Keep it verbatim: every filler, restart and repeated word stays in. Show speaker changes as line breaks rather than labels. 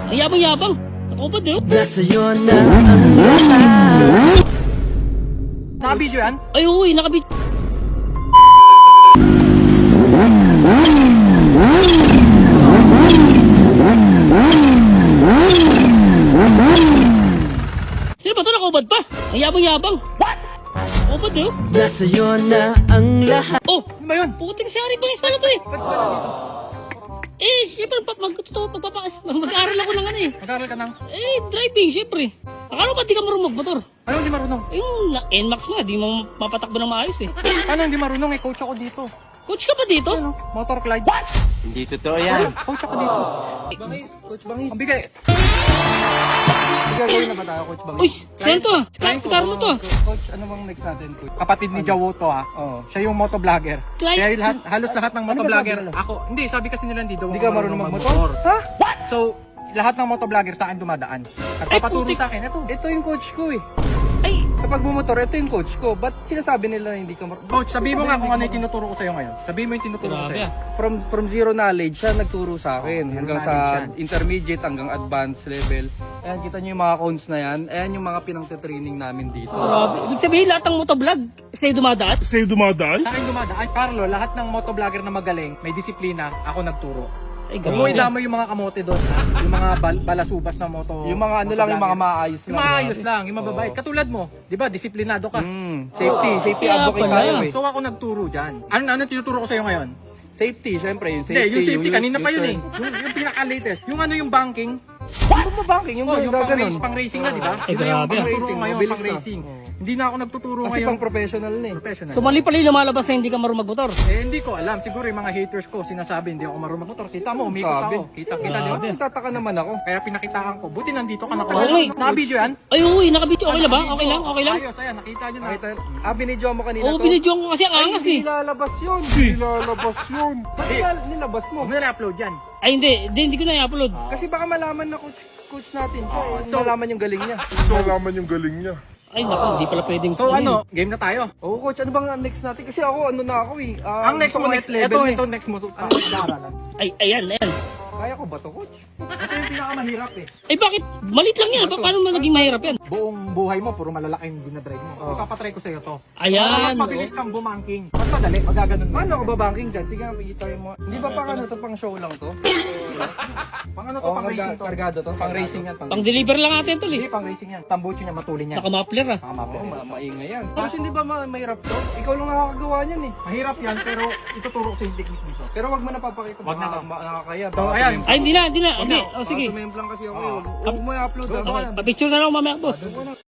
Ang yabang-yabang. Nakubad eh.
Nasa'yo na ang lahat.
Naka-video yan?
Ay, uy, nakabit. Sino ba ito? Nakubad pa. Ang yabang-yabang. What? Nakubad eh.
Nasa'yo na ang lahat.
Oh,
Ano ba yun?
puting si Ari Bangis pala to eh.
Ba't wala dito?
Eh, siyempre, pag magtuto, pagpapa, mag-aaral ako ng ano eh.
Mag-aaral ka ng...
Eh, driving, siyempre. Akala ba di ka marunong magmotor?
Ano hindi marunong?
Yung na- N MAX mo, di mo mapatakbo ng maayos eh.
Ano hindi marunong? Eh, coach ako dito.
Coach ka pa dito?
Ano? Motor Clyde.
Hindi totoo yan.
Coach ako dito. Bangis, Coach Bangis. Ang bigay. Gagawin na ba tayo, Coach Bangis?
Uy, saan to ah? Si Carlo to ah.
Coach, ano bang next natin, Coach? Kapatid ni Jawo to ha.
Oo.
Siya yung motovlogger.
Clyde?
Kaya lahat, halos lahat ng motovlogger.
sabi nila?
Ako, hindi, sabi kasi nila hindi daw
Hindi
ako
ka marunong magmotor?
Ha? What? So, lahat ng motovlogger sa akin dumadaan. Nagpapaturo
putik.
sa akin, ito.
Ito yung coach ko eh.
Ay,
Sa pagbumotor, ito yung coach ko. Ba't sinasabi nila na hindi ka marunong?
Coach, sabihin mo nga kung ano yung tinuturo ko sa'yo ngayon. Sabihin mo yung tinuturo ko
grabe
sa'yo.
ah.
From from zero knowledge, siya nagturo sa akin.
Oh, zero
hanggang
knowledge
sa
yan.
intermediate, hanggang advanced level. Ayan, kita nyo yung mga cones na yan. Ayan yung mga pinang-training namin dito.
grabe. Ibig sabihin, lahat ng motovlog, sa'yo dumadaan? Sa'yo dumadaan?
Sa akin dumadaan. Ay, Carlo, lahat ng motovlogger na magaling, may disiplina, ako nagturo.
Ay,
Huwag mo
grabe.
idamay yung mga kamote doon, ha? Yung mga bal- balasubas na moto.
Yung mga ano lang, yung mga maayos
Yung
lang.
maayos lang, yung mababait. Katulad mo, di ba, disiplinado ka.
Mm, safety, safety
Kaya
advocate
pala.
tayo eh.
So ako nagturo dyan. Ano, ano tinuturo ko sa'yo ngayon?
Safety, syempre yung
Hindi,
safety.
yung safety, kanina pa yun eh.
turn.
Yung, yung pinaka-latest. Yung ano yung banking.
Ano ba banking? Yung,
Oh, yung pang,
gaganon.
race, pang racing na, di ba?
Ay,
Yun na yung
grabe.
pang
Racing,
racing ngayon,
mabilis
pang
na.
racing. Hindi na ako nagtuturo
Kasi
ngayon.
pang professional na eh.
Professional.
So mali pala yung lumalabas na hindi ka marunong magmotor.
Eh, hindi ko alam. Siguro yung mga haters ko sinasabi hindi ako marunong magmotor. Kita mo, umikot
Sabi.
ako. Kita, kita, di ba?
Grabe.
Nagtataka naman ako.
Kaya pinakitaan ko. Buti nandito ka na.
Oo, eh.
Naka-video yan?
Ay, uy, nakabit. Okay lang ba? Okay lang? Okay lang?
Ayos, ayan. Nakita nyo na.
Nakita, ah, binidyo mo kanina
Oo,
to?
binidyoan ko kasi ang angas eh.
Hindi lalabas yun. Hindi lalabas yun. Ba't nila- nilabas mo?
Huwag mo na upload yan.
Ay, hindi. Hindi, hindi ko na i-upload.
Kasi baka malaman na coach, coach natin siya eh.
so-
malaman yung galing niya.
Malaman yung galing niya.
Ay, naku, hindi pala pwedeng.
So ano, game na tayo.
Oo coach, ano bang next natin? Kasi ako ano na ako eh. ah,
Ang next
gusto
mo,
ko
next level. Ito,
eh.
ito, next mo. Ano, daaralan.
Ay, ayan, ayan.
Kaya ko ba to coach?
Ito yung pinakamahirap eh.
Ay, bakit? Malit lang yan. Pa- Paano mo naging mahirap yan?
Buong buhay mo, puro malalaki yung dinadrive mo.
Oh.
Ipapatry ko sa'yo to.
Ayan,
Para mas
oh.
mabilis kang bumangking. Mas madali, magaganon mo.
Paano ako ba banking dyan? Sige nga, i-try mo. Hindi ba pang ano to, pang show lang to?
Pang ano to,
O
pang racing to.
kargado to?
Pang racing yan. Pang
Pang deliver lang natin tol
Hindi,
eh.
pang racing yan. Tambucho niya, matulin yan.
Naka-muffler ah.
Pakamapin.
Oo, ma maingay yan. Tapos hindi ba ma mahirap to? Ikaw lang nakakagawa niyan eh.
Mahirap yan, pero ituturo ko sa yung technique nito.
Pero wag mo na papakita.
Wag na
baka
to.
ma- nakakaya.
So,
Baka
ayan.
sumem-
Ay, hindi na, hindi na.
Wag
Hindi.
na.
O, sige.
Baka sumemplang kasi ako.
Oo.
eh. Huwag mo i-upload.
Okay,
ah.
pa-picture na lang mamaya, boss.